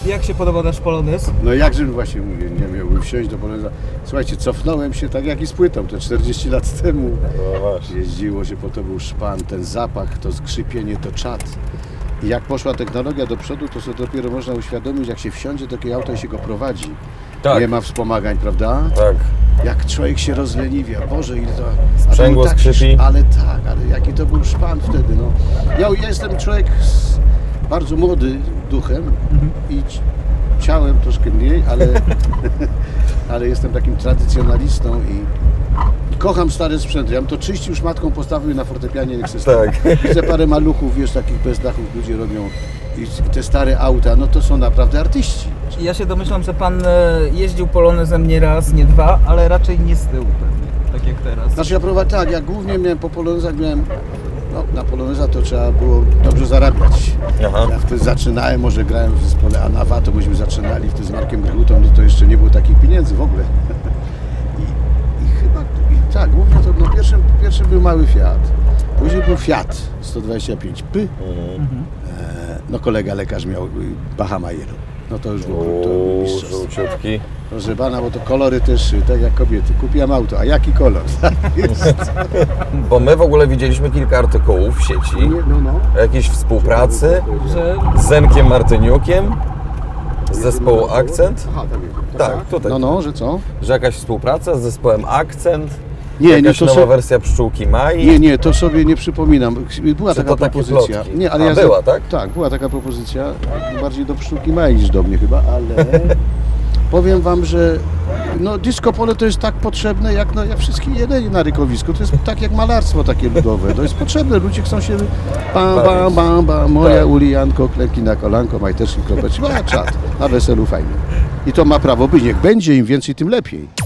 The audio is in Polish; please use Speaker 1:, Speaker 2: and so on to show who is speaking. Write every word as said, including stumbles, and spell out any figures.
Speaker 1: Jak się podoba nasz polonez?
Speaker 2: No jakżebym właśnie mówię, nie miałbym wsiąść do poloneza. Słuchajcie, cofnąłem się tak jak i z płytą, to czterdzieści lat temu.
Speaker 3: No właśnie.
Speaker 2: Jeździło się, po to był szpan, ten zapach, to skrzypienie, to czad. I jak poszła technologia do przodu, to sobie dopiero można uświadomić, jak się wsiądzie do takiego auta i się go prowadzi.
Speaker 3: Tak.
Speaker 2: Nie ma wspomagań, prawda?
Speaker 3: Tak.
Speaker 2: Jak człowiek się rozleniwia, Boże, ile to...
Speaker 3: Sprzęgło
Speaker 2: a to był taki
Speaker 3: skrzypi.
Speaker 2: sz- Ale tak, ale jaki to był szpan wtedy, no. Ja, ja jestem człowiek z, bardzo młody duchem i ci- ciałem troszkę mniej, ale, ale jestem takim tradycjonalistą i, i kocham stare sprzęty. Ja bym to czyścił szmatką, postawił na fortepianie, niech se stoi.
Speaker 3: Tak.
Speaker 2: Widzę parę maluchów, wiesz, takich bez dachów ludzie robią i, i te stare auta, no to są naprawdę artyści.
Speaker 1: Ja się domyślam, że pan e, jeździł polonezem nie raz, nie dwa, ale raczej nie z tyłu pewnie, tak jak teraz.
Speaker 2: Znaczy ja prowadziłem, tak, ja głównie miałem po polonezach, miałem, no na poloneza to trzeba było dobrze zarabiać.
Speaker 3: Aha.
Speaker 2: Ja wtedy zaczynałem, może grałem w zespole Anawa, to myśmy zaczynali wtedy z Markiem Grutą, no to jeszcze nie było takich pieniędzy w ogóle. I, i chyba, i tak, głównie to, no pierwszym, pierwszym był mały Fiat, później był Fiat sto dwadzieścia pięć P,
Speaker 3: Mhm.
Speaker 2: e, no kolega lekarz miał y, Bahamajeru, no to już było, to było
Speaker 3: Uuu,
Speaker 2: mistrzostwo.
Speaker 3: żółciutki.
Speaker 2: Proszę pana, bo to kolory też, tak jak kobiety. Kupiłam auto, a jaki kolor?
Speaker 3: Bo my w ogóle widzieliśmy kilka artykułów w sieci
Speaker 2: Nie, no, no.
Speaker 3: o jakiejś współpracy
Speaker 1: Że
Speaker 3: z Zenkiem Martyniukiem z zespołu Akcent,
Speaker 2: Aha, tam jest.
Speaker 3: Tak, tutaj.
Speaker 2: No, no, że co?
Speaker 3: że jakaś współpraca z zespołem Akcent,
Speaker 2: Nie, nie,
Speaker 3: jakaś
Speaker 2: to
Speaker 3: nowa
Speaker 2: so...
Speaker 3: wersja Pszczółki Mai.
Speaker 2: nie, nie, to sobie nie przypominam. Była
Speaker 3: Czy
Speaker 2: taka
Speaker 3: to takie
Speaker 2: propozycja.
Speaker 3: plotki?
Speaker 2: Nie, ale
Speaker 3: A,
Speaker 2: ja
Speaker 3: była, tak?
Speaker 2: Tak, była taka propozycja. Bardziej do Pszczółki Mai niż do mnie chyba, ale powiem wam, że no, disco polo to jest tak potrzebne, jak, no, jak wszystkie jelenie na rykowisku. To jest tak jak malarstwo takie ludowe. To jest potrzebne. Ludzie chcą się bam, bam, bam, bam. Moja
Speaker 3: Tak.
Speaker 2: Ulijanko, klęki na kolanko, majteczki, kropeczki. A czad, na weselu fajnie. I to ma prawo być. Niech będzie, im więcej, tym lepiej.